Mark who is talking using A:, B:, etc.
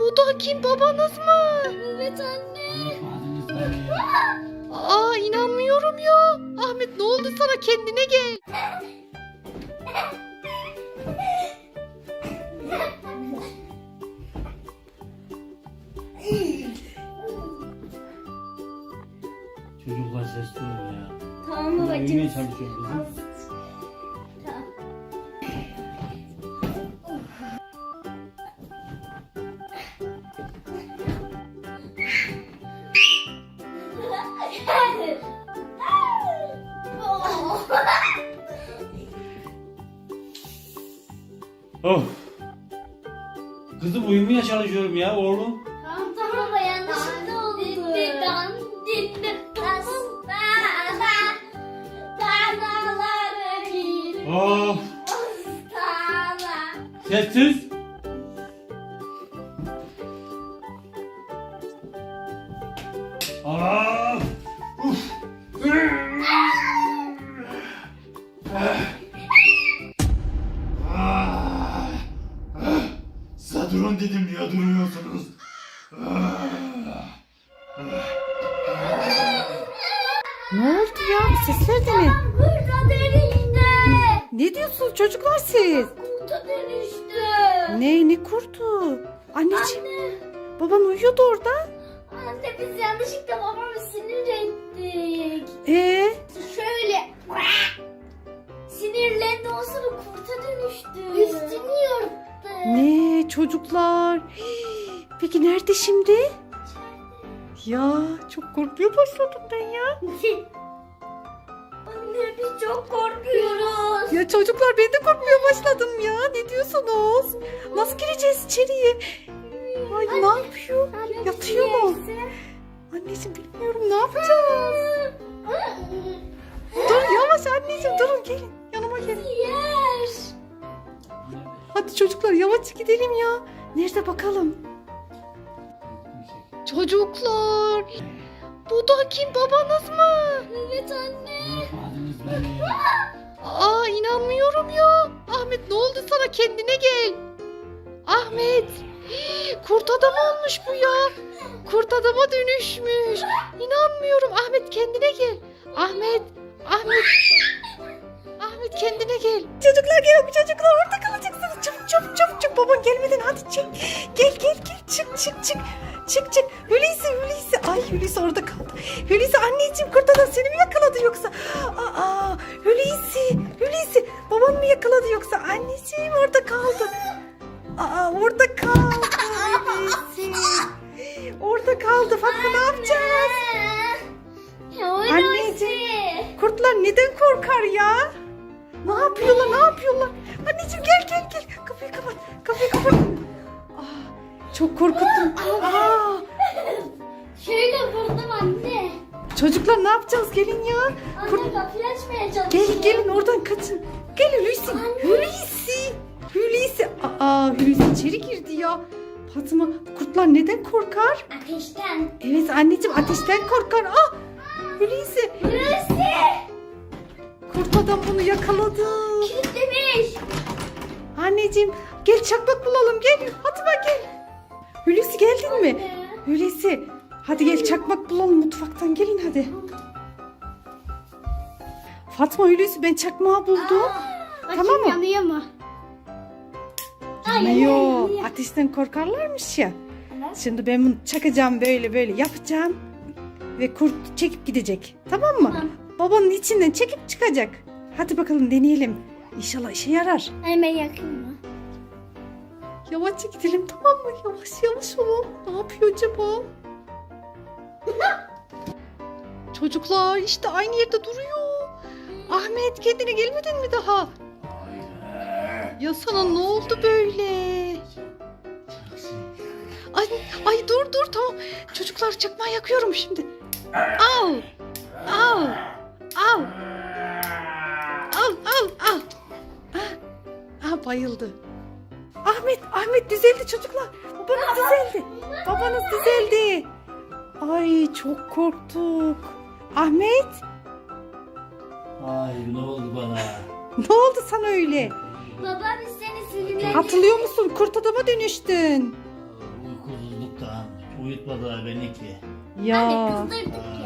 A: Bu da kim, babanız mı?
B: Evet anne.
A: Aa, inanmıyorum ya. Ahmet, ne oldu sana, kendine gel.
C: Çocuklar sesli olun ya.
B: Tamam
C: Uyumaya
B: babacığım.
C: çalışıyorum kızım.
B: Tamam.
C: Of. Kızım uyumaya çalışıyorum ya oğlum.
B: Tamam tamam baba, yanlışlıkla oldu.
C: Of. Sessiz. Aa. Uf. Size durun dedim, niye duruyorsunuz?
A: Ne oldu ya, bu sesler de ne?
B: Kurta dönüştü.
A: Ne diyorsunuz çocuklar siz?
B: Kurta dönüştü.
A: Ne kurtu? Anneciğim,
B: Anne.
A: baban uyuyordu orada.
B: Anne, biz yanlışlıkla babamı sinir ettik. Şöyle sinirlendi, o sonra kurta dönüştü. Üstünü yırttı.
A: Ne çocuklar? Hii, peki nerede şimdi? Ya çok korkmaya başladım ben ya.
B: Anne, biz çok korkuyoruz.
A: Ya çocuklar, ben de korkmaya başladım ya. Ne diyorsunuz? Nasıl gireceğiz içeriye? Ay, ne yapıyor?
B: Anne,
A: Yatıyor mu? Anneciğim, bilmiyorum, ne yapacağız? Dur yavaş anneciğim, durun, gelin yanıma gelin.
B: Yer.
A: Hadi çocuklar, yavaş gidelim ya. Nerede bakalım? Çocuklar, bu da kim, babanız mı?
B: Evet anne.
C: Adınız beni.
A: Aa, inanmıyorum ya. Ahmet, ne oldu sana, kendine gel. Ahmet, kurt adam olmuş bu ya. Kurt adama dönüşmüş. İnanmıyorum. Ahmet, kendine gel. Ahmet, Ahmet kendine gel. Çocuklar, gel, çocuklar orada kalacaksınız. Çabuk çabuk çabuk çabuk, baban gelmeden hadi çek. Gel çık. Hulusi. Ay, Hulusi orada kaldı. Hulusi, anneciğim, kurt adam seni mi yakaladı yoksa? Aa, Hulusi, baban mı yakaladı yoksa? Anneciğim, orada kaldı. Aa, orada kaldı Hulusi. Orada kaldı. Fatma, ne yapacağız? Anneciğim, kurtlar neden korkar ya? Ne yapıyorlar? Anneciğim, gel. Kapıyı kapat. Çok korkuttum.
B: Şöyle vurdum anne.
A: Çocuklar, ne yapacağız? Gelin ya.
B: Anne, kapıyı açmaya çalışıyor.
A: Gelin oradan kaçın. Gel Hulusi. Hulusi. Hulusi içeri girdi ya. Fatma, kurtlar neden korkar?
B: Ateşten.
A: Evet anneciğim, ateşten korkar. Hulusi. Kurt adam bunu yakaladı.
B: Kilitlemiş.
A: Anneciğim, gel çakmak bulalım, gel. Fatma, gel. Hulusi, geldin mi? Hulusi, hadi gel çakmak bulalım mutfaktan, gelin hadi. Fatma, Hulusi, ben çakmağı buldum. Tamam mı?
B: Yanıyor mu?
A: Yanıyor. Ateşten korkarlarmış ya.
B: Evet.
A: Şimdi ben bunu çakacağım, böyle yapacağım. Ve kurt çekip gidecek. Tamam mı?
B: Tamam.
A: Babanın içinden çekip çıkacak. Hadi bakalım, deneyelim. İnşallah işe yarar.
B: Hemen yakın mı?
A: Yavaşça gidelim, tamam mı? Yavaş olun. Ne yapıyor acaba? Çocuklar, işte aynı yerde duruyor. Ahmet, kendine gelmedin mi daha? Ya sana ne oldu böyle? Ay dur tamam. Çocuklar, çakmağı yakıyorum şimdi. Al. Bayıldı. Ahmet düzeldi çocuklar. Babanız düzeldi. Ay, çok korktuk. Ahmet,
C: Ay, ne oldu bana?
A: ne oldu sana öyle?
B: Baba, biz seni sinirlendik.
A: Hatırlıyor musun? Kurt adama dönüştün.
C: Uykusuz uyutmadılar beni ki.
A: Ya.
B: Anne kızdırdık ya.